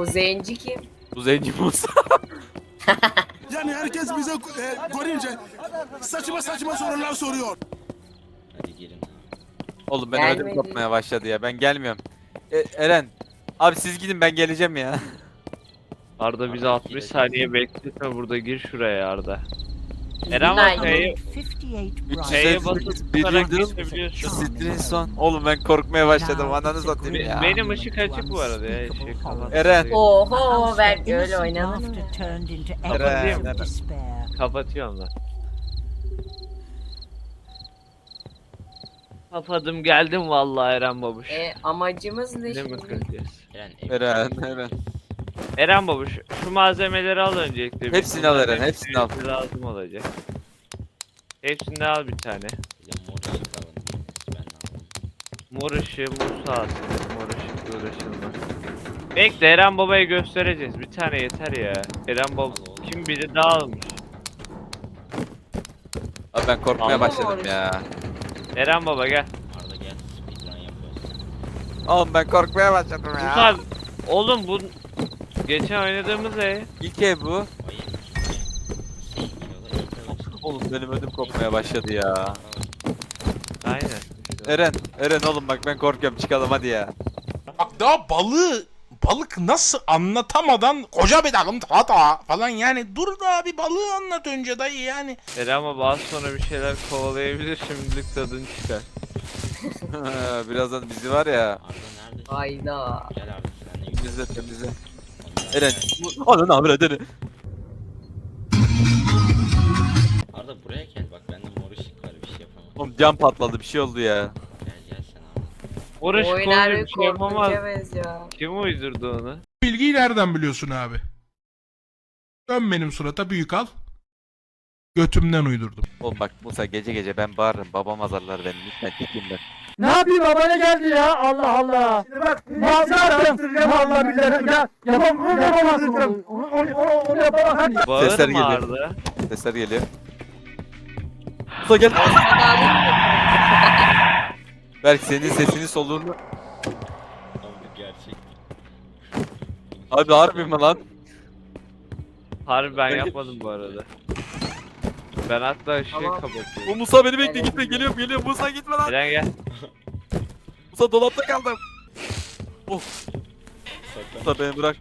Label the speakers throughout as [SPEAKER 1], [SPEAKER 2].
[SPEAKER 1] Bu zenci kim?
[SPEAKER 2] Bu zenci Musa.
[SPEAKER 3] Yani herkes bize görünce saçma saçma sorular soruyor.
[SPEAKER 4] Hadi gelin abi.
[SPEAKER 2] Oğlum ben ödüm
[SPEAKER 1] Gelmedi.
[SPEAKER 2] kopmaya başladı ya. Ben gelmiyorum. Eren. Abi siz gidin ben geleceğim ya.
[SPEAKER 5] Arda bizi
[SPEAKER 4] Arda
[SPEAKER 5] 60
[SPEAKER 4] girecek.
[SPEAKER 5] saniye bekletme burada, gir şuraya Arda. Eren
[SPEAKER 1] Günaydın.
[SPEAKER 5] bak F'ye
[SPEAKER 6] 58
[SPEAKER 5] F'ye basıp
[SPEAKER 2] 358 bir
[SPEAKER 5] tutarak
[SPEAKER 2] yıldır
[SPEAKER 5] geçebiliyorsun.
[SPEAKER 2] Sitrin son. Oğlum ben korkmaya başladım. Ananı satayım ya.
[SPEAKER 5] Benim ışık açık bu arada ya, ışık kapat.
[SPEAKER 2] Eren.
[SPEAKER 1] Oho belki öyle oynanır mı?
[SPEAKER 2] Eren.
[SPEAKER 5] Kapatıyorum lan. Kapadım geldim vallahi Eren babuş.
[SPEAKER 1] Amacımız ne
[SPEAKER 5] Ne mi
[SPEAKER 1] şimdi?
[SPEAKER 5] kıracağız?
[SPEAKER 2] Eren.
[SPEAKER 5] Eren babuş şu malzemeleri al öncelikle.
[SPEAKER 2] Hepsini al Eren, hepsini al.
[SPEAKER 5] Hepsi lazım olacak. Hepsini al bir tane.
[SPEAKER 4] Bir de mor ışık alın. Ben de aldım.
[SPEAKER 5] Mor ışığı Musa alsın. Mor ışıkla uğraşılmaz. Bekle Eren babaya göstereceğiz. Bir tane yeter ya. Eren baba
[SPEAKER 4] Al oğlum.
[SPEAKER 5] kim biri daha almış.
[SPEAKER 2] Abi ben korkmaya
[SPEAKER 5] Anladım
[SPEAKER 2] başladım ya.
[SPEAKER 5] Eren baba gel.
[SPEAKER 4] Arda gel. Speedrun yapıyoruz.
[SPEAKER 2] Oğlum ben korkmaya başladım ya.
[SPEAKER 5] Musa oğlum bu geçen oynadığımız
[SPEAKER 2] İlk ev bu.
[SPEAKER 4] Hayır. Şey geliyorlar.
[SPEAKER 2] Oğlum benim ödüm kopmaya başladı ya.
[SPEAKER 5] Aynen.
[SPEAKER 2] Eren oğlum bak ben korkuyorum çıkalım hadi ya.
[SPEAKER 3] Bak daha balık nasıl anlatamadan koca bir dalım hata falan yani dur da bir balığı anlat önce dayı yani.
[SPEAKER 5] Eren baba az sonra bir şeyler kovalayabilir, şimdilik tadını çıkar.
[SPEAKER 2] Birazdan bizi var ya.
[SPEAKER 4] Arda neredesin?
[SPEAKER 1] Hayda.
[SPEAKER 4] Gel Arda senle gidelim.
[SPEAKER 2] Temizle. Eren. Ananı avra Eren.
[SPEAKER 4] Arda buraya gel bak bende mor ışık var bir şey yapamam.
[SPEAKER 2] Oğlum cam patladı bir şey oldu ya.
[SPEAKER 4] Gel sen abi.
[SPEAKER 5] Uğraş
[SPEAKER 1] Oynar
[SPEAKER 5] konuyu
[SPEAKER 1] bir
[SPEAKER 5] bir şey yapamaz.
[SPEAKER 1] korkunca benziyor.
[SPEAKER 5] Kim uydurdu onu?
[SPEAKER 3] Bilgiyi nereden biliyorsun abi? Dön benim surata büyük al. Götümden uydurdum.
[SPEAKER 2] Oğlum bak Musa gece gece ben bağırırım babam azarlar beni lütfen çekeyim ben.
[SPEAKER 7] Ne yapayım babana geldi ya Allah Allah. Bak ne yaptım? Allah billahi ya yapamazsın onu yapamazsın.
[SPEAKER 5] Bağırma
[SPEAKER 2] geliyor.
[SPEAKER 5] Arda.
[SPEAKER 2] Sesler geliyor. Musa gel. Belki senin sesini soluğunu.
[SPEAKER 4] Abi gerçek.
[SPEAKER 2] Abi harbi mi lan?
[SPEAKER 5] Harbi ben yapmadım bu arada. Ben hatta ışığı
[SPEAKER 1] Tamam.
[SPEAKER 2] O
[SPEAKER 5] kapatıyorum.
[SPEAKER 2] Musa beni bekle gitme geliyorum Musa gitme lan.
[SPEAKER 5] Eren gel.
[SPEAKER 2] Musa dolapta kaldım.
[SPEAKER 4] Saklan.
[SPEAKER 2] Musa beni bırak.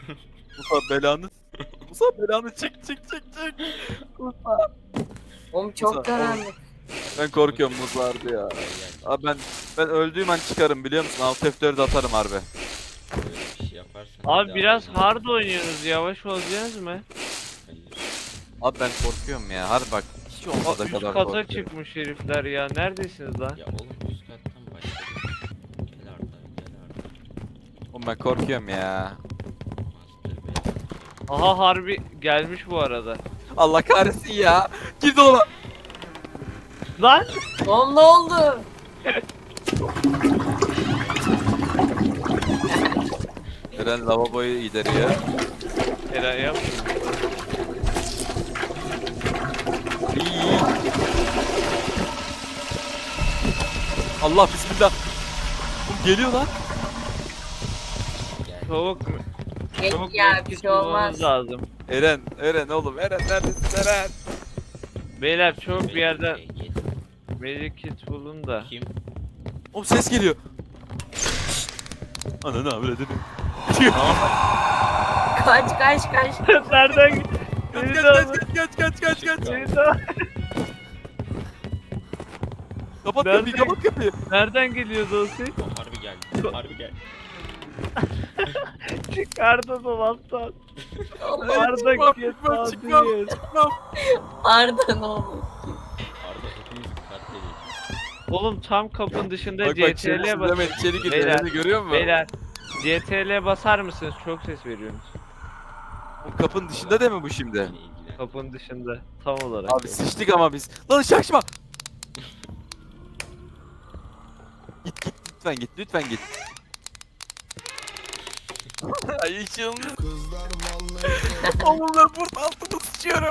[SPEAKER 2] Musa belanı çık.
[SPEAKER 1] Oğlum çok
[SPEAKER 2] Musa,
[SPEAKER 1] karanlık.
[SPEAKER 2] Ben korkuyorum Musa harbi ya. Abi ben öldüğüm an çıkarım biliyor musun? Alt F4 atarım harbi.
[SPEAKER 4] Böyle bir şey yaparsan.
[SPEAKER 5] Abi
[SPEAKER 4] bir
[SPEAKER 5] biraz
[SPEAKER 4] daha
[SPEAKER 5] hard oynuyorsunuz, yavaş olacaksınız mı?
[SPEAKER 4] Hayır.
[SPEAKER 2] Abi ben korkuyorum ya harbi bak. Hiç olmadı
[SPEAKER 5] Üst
[SPEAKER 2] kadar
[SPEAKER 5] kata
[SPEAKER 2] korkuyorum.
[SPEAKER 5] çıkmış herifler ya, neredesiniz lan?
[SPEAKER 4] Ya oğlum üst kattan başladık. Gel Arda gel Arda.
[SPEAKER 2] Oğlum ben korkuyorum ya.
[SPEAKER 4] Master Bey.
[SPEAKER 5] Aha harbi gelmiş bu arada.
[SPEAKER 2] Allah kahretsin ya. Gir dolaba.
[SPEAKER 5] Lan!
[SPEAKER 1] Oğlum ne oldu?
[SPEAKER 2] Eren lavaboyu gideriyor.
[SPEAKER 5] Eren yap.
[SPEAKER 2] İyi. Allah bismillah. Oğlum geliyor lan.
[SPEAKER 5] Çabuk
[SPEAKER 1] Geç
[SPEAKER 5] çabuk
[SPEAKER 1] ya bir
[SPEAKER 5] medkit
[SPEAKER 1] şey
[SPEAKER 5] bulmamız
[SPEAKER 1] olmaz.
[SPEAKER 5] lazım.
[SPEAKER 2] Eren oğlum. Eren neredesin Eren?
[SPEAKER 5] Beyler çabuk bir yerden
[SPEAKER 4] Gel.
[SPEAKER 5] medkit bulun da.
[SPEAKER 4] Kim?
[SPEAKER 2] Oğlum ses geliyor. Ananı avradını.
[SPEAKER 1] Kaç.
[SPEAKER 5] Nereden
[SPEAKER 2] Kaç
[SPEAKER 5] Beni
[SPEAKER 2] kaç
[SPEAKER 5] de
[SPEAKER 2] kaç
[SPEAKER 5] alın.
[SPEAKER 2] kaç.
[SPEAKER 5] Beni de alın.
[SPEAKER 2] Kapat
[SPEAKER 5] Nerede?
[SPEAKER 2] kapıyı kapat kapıyı.
[SPEAKER 5] Nereden geliyordu o ses?
[SPEAKER 4] O harbi geldi. Harbi geldi.
[SPEAKER 5] Çıkardı dolaptan.
[SPEAKER 2] Hayır,
[SPEAKER 5] Arda
[SPEAKER 2] çıkmam,
[SPEAKER 5] git
[SPEAKER 2] çıkmam.
[SPEAKER 1] Arda ne oldu?
[SPEAKER 4] Arda hepimiz katledik.
[SPEAKER 5] Oğlum tam kapının dışında
[SPEAKER 2] Bak
[SPEAKER 5] CTRL'ye
[SPEAKER 2] şerefsiz
[SPEAKER 5] basın.
[SPEAKER 2] hemen içeri giriyor.
[SPEAKER 5] Beyler,
[SPEAKER 2] Eren'i görüyor musun?
[SPEAKER 5] Beyler CTRL'ye basar mısınız? Çok ses veriyorsunuz.
[SPEAKER 2] Oğlum kapının dışında değil mi bu şimdi?
[SPEAKER 4] Beni ilgilen.
[SPEAKER 5] Kapının dışında tam olarak.
[SPEAKER 2] Abi sıçtık ama biz. Lan şaşma. Git lütfen git. Ay ışığımız. Oğlum ben burada altıma sıçıyorum.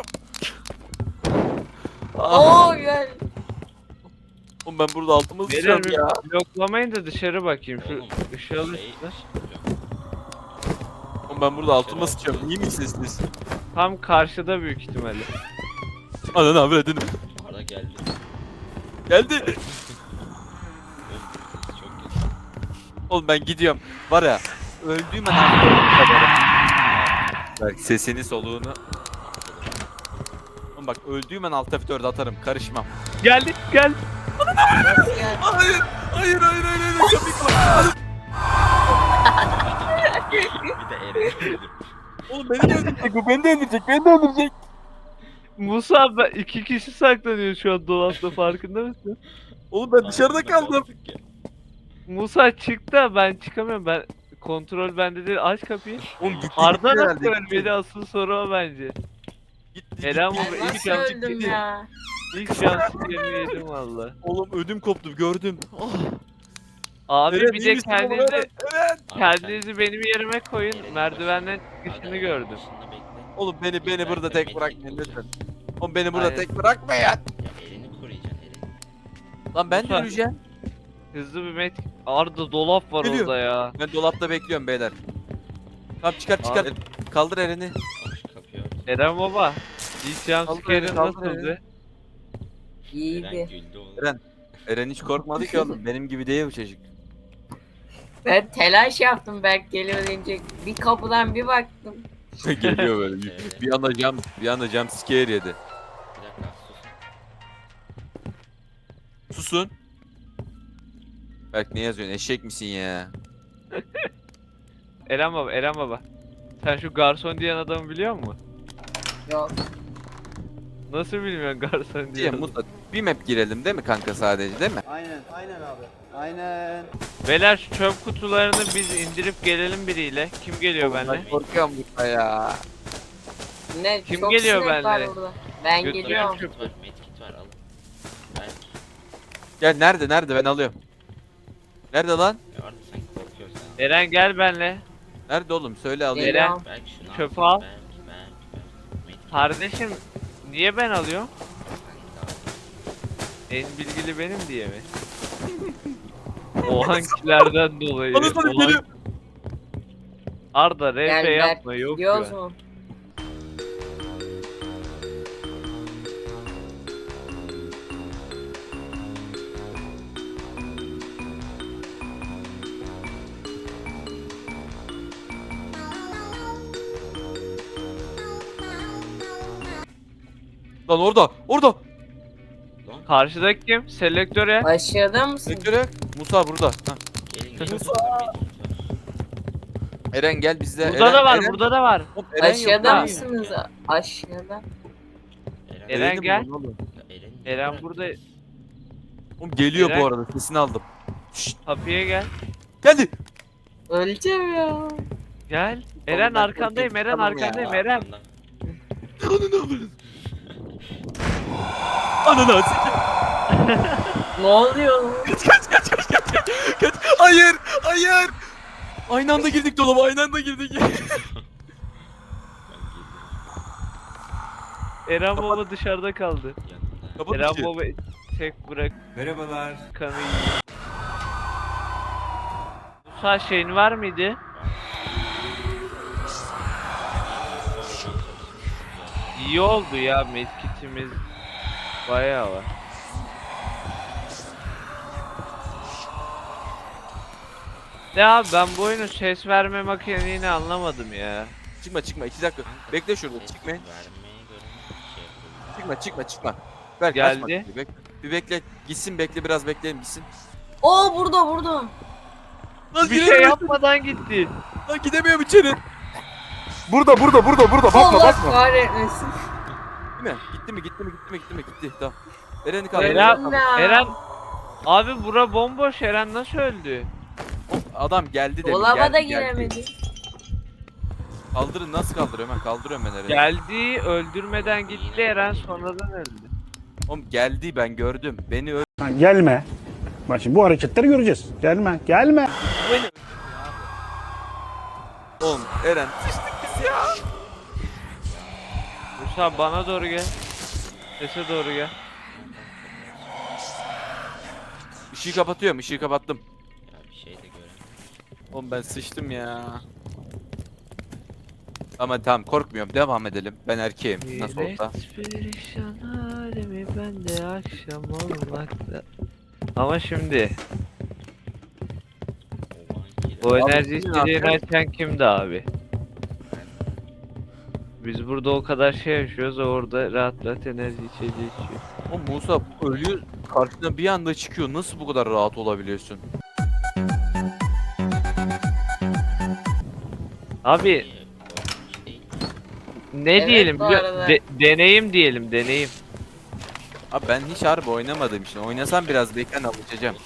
[SPEAKER 1] Oo gel.
[SPEAKER 2] Oğlum ben burada altıma
[SPEAKER 5] Beyler
[SPEAKER 2] sıçıyorum ya.
[SPEAKER 5] bloklamayın da dışarı bakayım. Şu
[SPEAKER 4] Oğlum,
[SPEAKER 5] ışığı alın
[SPEAKER 4] şey-
[SPEAKER 5] üstüne.
[SPEAKER 2] Oğlum Oğlum ben burada altıma sıçıyorum. İyi misiniz siz?
[SPEAKER 5] Tam karşıda büyük ihtimalle.
[SPEAKER 2] Ananı avradını.
[SPEAKER 4] Arda geldi.
[SPEAKER 2] Geldi.
[SPEAKER 4] Oğlum, çok kötü.
[SPEAKER 2] Oğlum ben gidiyorum. Var ya öldüğüm an Bak sesini soluğunu. Oğlum bak öldüğüm an alt F4'e atarım. Karışmam.
[SPEAKER 5] Geldi gel.
[SPEAKER 1] Gel.
[SPEAKER 2] Hayır. Hayır. Kapıyı kapat.
[SPEAKER 4] Bir de Eren.
[SPEAKER 2] Oğlum beni de öldürecek bu. Beni de öldürecek.
[SPEAKER 5] Musa ben 2 kişi saklanıyor şu an dolapta farkında mısın?
[SPEAKER 2] Oğlum ben dışarıda kaldım.
[SPEAKER 5] Musa çık da ben çıkamıyorum ben. Kontrol bende değil aç kapıyı.
[SPEAKER 2] Oğlum gitti.
[SPEAKER 5] Arda
[SPEAKER 2] gitti
[SPEAKER 5] nasıl
[SPEAKER 2] herhalde,
[SPEAKER 5] ölmedi asıl soru o bence.
[SPEAKER 2] Gitti.
[SPEAKER 5] Eren
[SPEAKER 2] gitti.
[SPEAKER 5] baba
[SPEAKER 1] Ben
[SPEAKER 5] ilk
[SPEAKER 1] nasıl
[SPEAKER 5] şans
[SPEAKER 1] öldüm ya?
[SPEAKER 5] İlk şans yerini yedim valla.
[SPEAKER 2] Oğlum ödüm koptu gördüm. Oh.
[SPEAKER 5] Abi
[SPEAKER 2] Eren,
[SPEAKER 5] bir
[SPEAKER 2] iyi
[SPEAKER 5] de
[SPEAKER 2] misin oğlum?
[SPEAKER 5] kendinizi
[SPEAKER 2] Eren.
[SPEAKER 5] kendinizi benim yerime koyun. Merdivenden çıkışını gördüm.
[SPEAKER 2] Oğlum beni burada tek bırakmayın lütfen. Oğlum beni burada
[SPEAKER 5] Aynen.
[SPEAKER 2] tek bırakmayın.
[SPEAKER 4] Ya Eren'i koruyacaksın Eren.
[SPEAKER 2] Lan ben de
[SPEAKER 5] Lütfen.
[SPEAKER 2] yürüyeceğim.
[SPEAKER 5] Hızlı bir met. Arda dolap var
[SPEAKER 2] Geliyor.
[SPEAKER 5] orada ya.
[SPEAKER 2] Ben dolapta bekliyorum beyler. Tamam çıkar.
[SPEAKER 5] Abi.
[SPEAKER 2] Kaldır Eren'i.
[SPEAKER 4] Al şu kapıyı ört.
[SPEAKER 5] Eren baba. İlk şans
[SPEAKER 2] Kaldır,
[SPEAKER 5] yerin
[SPEAKER 2] kaldır
[SPEAKER 5] nasıldı?
[SPEAKER 4] Eren
[SPEAKER 1] İyiydi.
[SPEAKER 4] güldü oğlum.
[SPEAKER 2] Eren. Eren hiç korkmadı ki oğlum. Benim gibi değil bu çocuk.
[SPEAKER 1] Ben telaş yaptım Berk geliyor deyince. Bir kapıdan bir baktım.
[SPEAKER 2] Geliyor böyle. Bir anda jump scare yedi.
[SPEAKER 4] Bir dakika sus.
[SPEAKER 2] Susun. Berk ne yazıyorsun? Eşek misin ya?
[SPEAKER 5] Eren baba. Sen şu garson diyen adamı biliyor musun?
[SPEAKER 1] Yok.
[SPEAKER 5] Nasıl bilmiyorsun garson
[SPEAKER 2] Diye
[SPEAKER 5] diyen adamı?
[SPEAKER 2] Musa bir map girelim değil mi kanka sadece değil mi?
[SPEAKER 6] Aynen abi. Aynen.
[SPEAKER 5] Beyler şu çöp kutularını biz indirip gelelim biriyle. Kim geliyor benimle?
[SPEAKER 2] Ben korkuyorum burada ya.
[SPEAKER 1] Ne?
[SPEAKER 5] Kim
[SPEAKER 1] çok
[SPEAKER 5] geliyor
[SPEAKER 1] sinek var
[SPEAKER 5] benimle?
[SPEAKER 1] burada. Ben
[SPEAKER 5] Götürüyorum
[SPEAKER 1] geliyorum.
[SPEAKER 4] Medkit var, medkit var al. Ben
[SPEAKER 2] Gel nerede ben alıyorum. Nerede lan?
[SPEAKER 4] ya Arda sen korkuyorsun.
[SPEAKER 5] Eren gel benimle.
[SPEAKER 2] Nerede oğlum söyle alayım.
[SPEAKER 5] Eren.
[SPEAKER 1] Geliyorum.
[SPEAKER 4] Belki şunu
[SPEAKER 5] Çöpü
[SPEAKER 4] al.
[SPEAKER 5] al.
[SPEAKER 4] Belki. Medkit
[SPEAKER 5] Kardeşim niye ben alıyorum?
[SPEAKER 4] sen de al.
[SPEAKER 5] En bilgili benim diye mi? O hangilerden dolayı?
[SPEAKER 2] Anasını
[SPEAKER 5] O hangi-
[SPEAKER 2] geliyor.
[SPEAKER 5] Arda
[SPEAKER 1] Gel
[SPEAKER 5] RP
[SPEAKER 1] Berk.
[SPEAKER 5] yapma yok
[SPEAKER 1] Gidiyoruz
[SPEAKER 5] ya.
[SPEAKER 1] mu?
[SPEAKER 2] Lan orada.
[SPEAKER 5] Karşıdaki kim? Selektöre.
[SPEAKER 1] Aşağıda mısın?
[SPEAKER 2] Sektöre. Musa burada. Ha.
[SPEAKER 4] Gelin gelin.
[SPEAKER 2] Musa.
[SPEAKER 4] burada medkit var.
[SPEAKER 2] Eren gel bizde.
[SPEAKER 5] Burada da var, burada da var.
[SPEAKER 2] Oğlum, Eren yok
[SPEAKER 1] Aşağıda
[SPEAKER 2] lan.
[SPEAKER 1] mısınız? Aşağıda.
[SPEAKER 5] Eren
[SPEAKER 2] Eren'i
[SPEAKER 5] gel.
[SPEAKER 2] bulun oğlum.
[SPEAKER 4] Ya Eren'i
[SPEAKER 5] Eren
[SPEAKER 4] bırak.
[SPEAKER 5] burada.
[SPEAKER 2] Oğlum geliyor
[SPEAKER 5] Eren.
[SPEAKER 2] bu arada sesini aldım.
[SPEAKER 5] Kapıya gel.
[SPEAKER 2] Geldi.
[SPEAKER 1] Öleceğim ya.
[SPEAKER 5] Gel. Eren
[SPEAKER 2] ben
[SPEAKER 5] arkandayım,
[SPEAKER 2] korkuyorum,
[SPEAKER 5] Eren
[SPEAKER 2] tamam ya.
[SPEAKER 5] arkandayım, Eren.
[SPEAKER 4] Arkamdan.
[SPEAKER 2] Ananı sikeyim.
[SPEAKER 1] Ne oluyor lan?
[SPEAKER 2] Kaç. Hayır. Aynı anda girdik dolaba aynı anda girdik.
[SPEAKER 5] Eren baba dışarıda kaldı.
[SPEAKER 4] Yanında.
[SPEAKER 2] Kapat
[SPEAKER 5] Eren
[SPEAKER 2] ışığı.
[SPEAKER 5] baba tek bırak. Merhabalar. Kanı yiyor. Musa şeyin var mıydı? İyi oldu ya medkitimiz bayağı var. Ya ben bu oyunun ses verme mekaniğini anlamadım ya.
[SPEAKER 2] Çıkma 2 dakika. Bekle şurada çıkmayın.
[SPEAKER 4] Vermeye göre şey yapalım.
[SPEAKER 2] Çıkma. Ver
[SPEAKER 5] Geldi.
[SPEAKER 2] kaçma. Bir bekle. Gitsin biraz bekleyelim gitsin.
[SPEAKER 1] Oo burada.
[SPEAKER 2] Lan
[SPEAKER 5] Bir şey yapmadan gitti.
[SPEAKER 2] Lan gidemiyorum içeri.
[SPEAKER 7] Burada.
[SPEAKER 1] Allah kahretmesin.
[SPEAKER 2] Değil mi? Gitti. Tamam. Eren'i kaldır.
[SPEAKER 5] Eren,
[SPEAKER 1] Öldüm ya.
[SPEAKER 5] Eren. Abi bura bomboş. Eren nasıl öldü?
[SPEAKER 2] Adam geldi demin.
[SPEAKER 1] Dolaba da
[SPEAKER 2] geldi.
[SPEAKER 1] giremedi.
[SPEAKER 2] Kaldırın nasıl kaldırıyorum ben? Kaldırıyorum ben Eren'i.
[SPEAKER 5] Geldi, öldürmeden gitti Eren sonradan öldü.
[SPEAKER 2] Oğlum geldi ben gördüm. Beni öldü.
[SPEAKER 6] Lan gelme. Bak şimdi bu hareketleri göreceğiz. Gelme.
[SPEAKER 2] Oğlum Eren.
[SPEAKER 5] Musa bana doğru gel. Sese doğru gel.
[SPEAKER 2] Işığı kapatıyorum. Işığı kapattım.
[SPEAKER 4] Ya bir şey de göremiyorum.
[SPEAKER 2] Oğlum ben sıçtım ya. Ama tamam korkmuyorum. Devam edelim. Ben erkeğim. Nasıl olsa.
[SPEAKER 5] Perişan halimi ben de akşam olmakta. Ama şimdi o enerji
[SPEAKER 2] Abi,
[SPEAKER 5] içeceğini açan kimdi abi? Biz burada o kadar şey yaşıyoruz, o orada rahat rahat enerji içeceği içiyor.
[SPEAKER 2] O Musa ölüyor. Karşına bir anda çıkıyor. Nasıl bu kadar rahat olabiliyorsun?
[SPEAKER 5] Abi ne
[SPEAKER 1] Evet,
[SPEAKER 5] diyelim
[SPEAKER 1] bu
[SPEAKER 5] biliyor-
[SPEAKER 1] arada.
[SPEAKER 5] deneyim diyelim, deneyim.
[SPEAKER 2] Abi ben hiç harbi oynamadığım için. Oynasam biraz beklen alışacağım.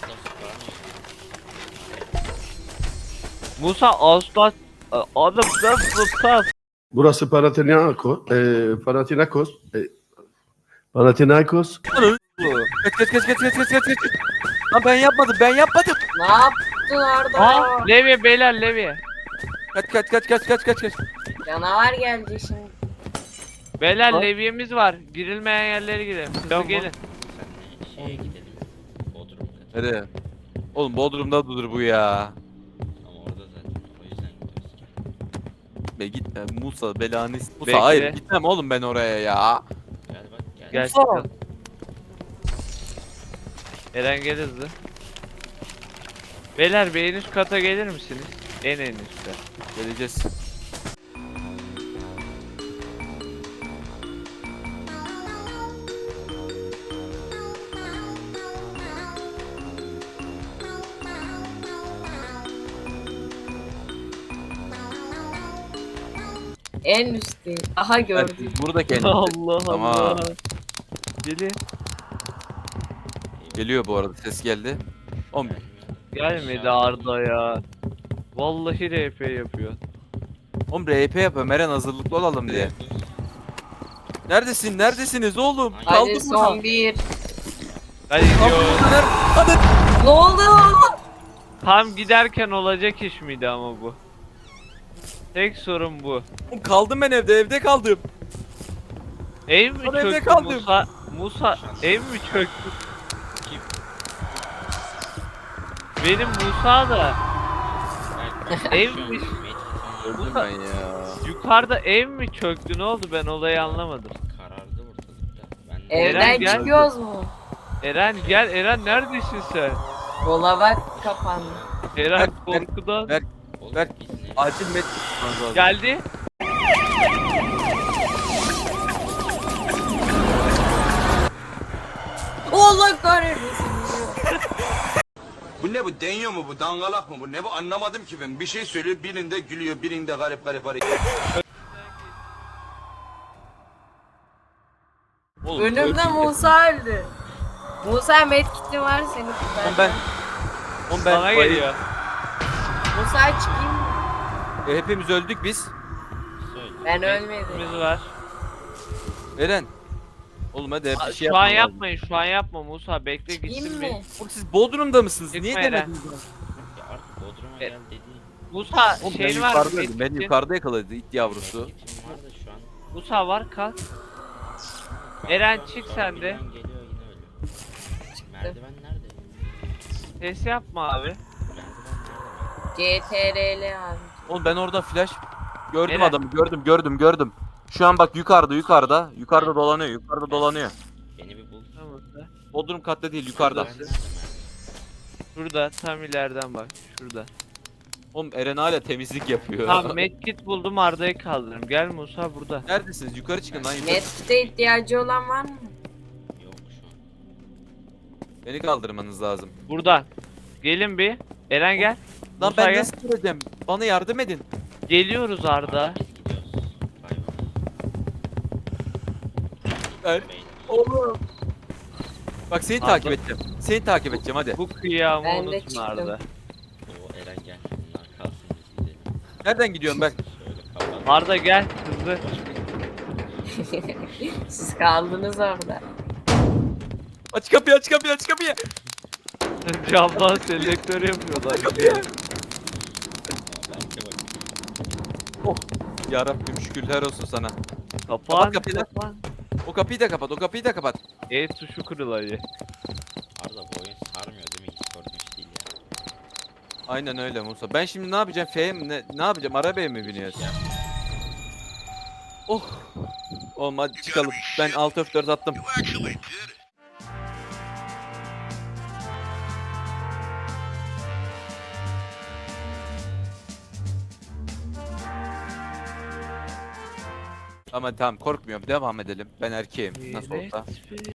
[SPEAKER 5] Musa Ağustos adam da
[SPEAKER 8] Burası Panathinaikos. Panathinaikos.
[SPEAKER 2] Kaç. Lan ben yapmadım.
[SPEAKER 1] Ne yaptın Arda?
[SPEAKER 5] Aa, Levi beyler Levi.
[SPEAKER 2] Kaç.
[SPEAKER 1] Canavar geldi şimdi.
[SPEAKER 5] Beyler
[SPEAKER 2] Ha?
[SPEAKER 5] Levi'miz var. Girilmeyen yerlere girelim. Hızlı
[SPEAKER 2] Tamam.
[SPEAKER 5] gelin.
[SPEAKER 4] Senle şeye gidelim. Bodrum katı.
[SPEAKER 2] Nereye? Oğlum Bodrum'da dur bu ya.
[SPEAKER 4] Ama orada zaten. O yüzden gidiyoruz.
[SPEAKER 2] Be gitme Musa belanı Musa
[SPEAKER 5] Bekle.
[SPEAKER 2] hayır gitmem oğlum ben oraya ya.
[SPEAKER 4] Gel bak gel.
[SPEAKER 5] Gel
[SPEAKER 2] Musa.
[SPEAKER 5] çıkalım. Eren gel hızlı. Beyler bir en üst kata gelir misiniz? En üstte.
[SPEAKER 2] Geleceğiz.
[SPEAKER 1] En üstte. Aha gördüm.
[SPEAKER 2] Burada kendisi.
[SPEAKER 5] Allah
[SPEAKER 2] Tamam.
[SPEAKER 5] Allah. Gelin.
[SPEAKER 2] Geliyor bu arada ses geldi. Oğlum
[SPEAKER 5] Gelmedi Arda ya. Vallahi RP yapıyor.
[SPEAKER 2] Oğlum RP yapıyor Meren hazırlıklı olalım diye. Neredesiniz oğlum?
[SPEAKER 1] Hadi
[SPEAKER 2] Kaldım burada.
[SPEAKER 1] son bir.
[SPEAKER 5] Hadi gidiyor.
[SPEAKER 2] Hadi.
[SPEAKER 1] Ne oldu?
[SPEAKER 5] Tam giderken olacak iş miydi ama bu? Tek sorun bu.
[SPEAKER 2] Oğlum kaldım ben evde kaldım.
[SPEAKER 5] Ev mi
[SPEAKER 2] Ben evde
[SPEAKER 5] çöktü
[SPEAKER 2] kaldım.
[SPEAKER 5] Musa ev mi çöktü? Benim Musa da evmiş.
[SPEAKER 2] Öldüm ben ya.
[SPEAKER 5] Yukarıda ev mi çöktü, ne oldu, ben olayı anlamadım.
[SPEAKER 4] Karardı ortalıkta. Ben de
[SPEAKER 5] Eren
[SPEAKER 1] Evden
[SPEAKER 5] gel.
[SPEAKER 1] çıkıyoruz mu?
[SPEAKER 5] Eren gel, Eren neredesin sen?
[SPEAKER 1] Dolaba kapandı.
[SPEAKER 5] Eren
[SPEAKER 2] Ver,
[SPEAKER 5] korkudan
[SPEAKER 2] ver.
[SPEAKER 4] Oğlum,
[SPEAKER 2] Ver.
[SPEAKER 4] biz ne-
[SPEAKER 2] Acil met tutmanız lazım.
[SPEAKER 5] geldi.
[SPEAKER 1] Allah kahretmesin.
[SPEAKER 9] Bu ne bu? Deniyor mu bu? Dangalak mı bu? Ne bu? Anlamadım ki ben. Bir şey söylüyor, birinde gülüyor, birinde garip hareket.
[SPEAKER 2] Oğlum,
[SPEAKER 1] Önümde
[SPEAKER 2] öldüm.
[SPEAKER 1] Musa öldü. Musa medkitli var seni
[SPEAKER 2] Oğlum
[SPEAKER 1] tutar.
[SPEAKER 2] ben
[SPEAKER 5] Bana geliyor.
[SPEAKER 1] Musa çıkayım mı?
[SPEAKER 2] Hepimiz öldük biz.
[SPEAKER 4] Söyle.
[SPEAKER 1] Ben ölmedim.
[SPEAKER 5] Biz var.
[SPEAKER 2] Eren. Oğlum hadi bir şey
[SPEAKER 5] Şu an
[SPEAKER 2] yapma.
[SPEAKER 5] yapmayın, şu an yapma Musa, bekle
[SPEAKER 1] Çıkayım
[SPEAKER 5] gitsin
[SPEAKER 1] mı?
[SPEAKER 5] bir.
[SPEAKER 2] Oğlum siz Bodrum'da mısınız?
[SPEAKER 5] Çıkma
[SPEAKER 2] Niye
[SPEAKER 5] Eren.
[SPEAKER 2] demediniz?
[SPEAKER 4] Ya artık Bodrum'a
[SPEAKER 5] E-
[SPEAKER 4] gel dediğin.
[SPEAKER 5] Musa
[SPEAKER 2] Oğlum ben
[SPEAKER 5] şeyin var mı?
[SPEAKER 2] yukarıdaydım. Beni
[SPEAKER 5] Medkit'in?
[SPEAKER 2] yukarıda yakaladı it yavrusu.
[SPEAKER 4] Medkit'im var da şu an.
[SPEAKER 5] Musa var, kalk. Eren, çık sen de.
[SPEAKER 4] Birden geliyor yine ölüyor. Merdiven nerede?
[SPEAKER 5] Ses yapma abi.
[SPEAKER 4] Merdiven nerede?
[SPEAKER 1] CTRL abi.
[SPEAKER 2] Oğlum ben orada flash gördüm
[SPEAKER 5] Eren.
[SPEAKER 2] adamı gördüm. Şu an bak yukarıda dolanıyor.
[SPEAKER 4] Beni bir bul.
[SPEAKER 5] Tamam Musa.
[SPEAKER 2] Bodrum katta değil yukarıda.
[SPEAKER 4] Merdiven nerede merdiven?
[SPEAKER 5] Şurada, tam ileriden bak, şurada.
[SPEAKER 2] Oğlum Eren hala temizlik yapıyor.
[SPEAKER 5] Tamam, medkit buldum, Arda'yı kaldırırım. Gel Musa, burada.
[SPEAKER 2] Neredesiniz? Yukarı çıkın lan yukarı.
[SPEAKER 1] Medkit'e ihtiyacı olan var mı?
[SPEAKER 4] Yok şu an.
[SPEAKER 2] Beni kaldırmanız lazım.
[SPEAKER 5] Buradan. Gelin bir. Eren gel.
[SPEAKER 2] Lan
[SPEAKER 5] Musa
[SPEAKER 2] ben
[SPEAKER 5] gel.
[SPEAKER 2] nasıl gireceğim? Bana yardım edin.
[SPEAKER 5] Geliyoruz Arda.
[SPEAKER 4] Biz gidiyoruz. Bay
[SPEAKER 2] Ben-
[SPEAKER 4] bay. Beyler.
[SPEAKER 2] Oğlum. Bak seni
[SPEAKER 5] Arda.
[SPEAKER 2] takip edeceğim hadi.
[SPEAKER 5] Bu kıyamı
[SPEAKER 1] Ben de
[SPEAKER 5] unutma
[SPEAKER 1] çıktım.
[SPEAKER 5] Arda.
[SPEAKER 4] Oo Eren gel. Bunlar kalsın biz gidelim.
[SPEAKER 2] Nereden gidiyorum ben?
[SPEAKER 4] Şöyle kapat.
[SPEAKER 5] Arda gel hızlı.
[SPEAKER 1] Siz kaldınız orada.
[SPEAKER 2] Aç kapıyı.
[SPEAKER 5] Camdan selektör yapıyorlar.
[SPEAKER 4] Belki bak.
[SPEAKER 2] Yarabbim şükürler olsun sana.
[SPEAKER 5] Kapan.
[SPEAKER 2] Kapat kapıyı lan.
[SPEAKER 5] Kapan.
[SPEAKER 2] O kapıyı da kapat.
[SPEAKER 5] E tuşu kırılıyor.
[SPEAKER 4] Arda bu oyun sarmıyor değil mi? Hiç korkunç değil ya.
[SPEAKER 2] Aynen öyle Musa. Ben şimdi ne yapacağım? F'ye mi? Ne yapacağım? Arabaya mı biniyoruz? Oh. Oğlum hadi çıkalım. Ben alt F4 attım. Ama tamam korkmuyorum. Devam edelim. Ben erkeğim. Nasıl olsa.
[SPEAKER 5] Evet.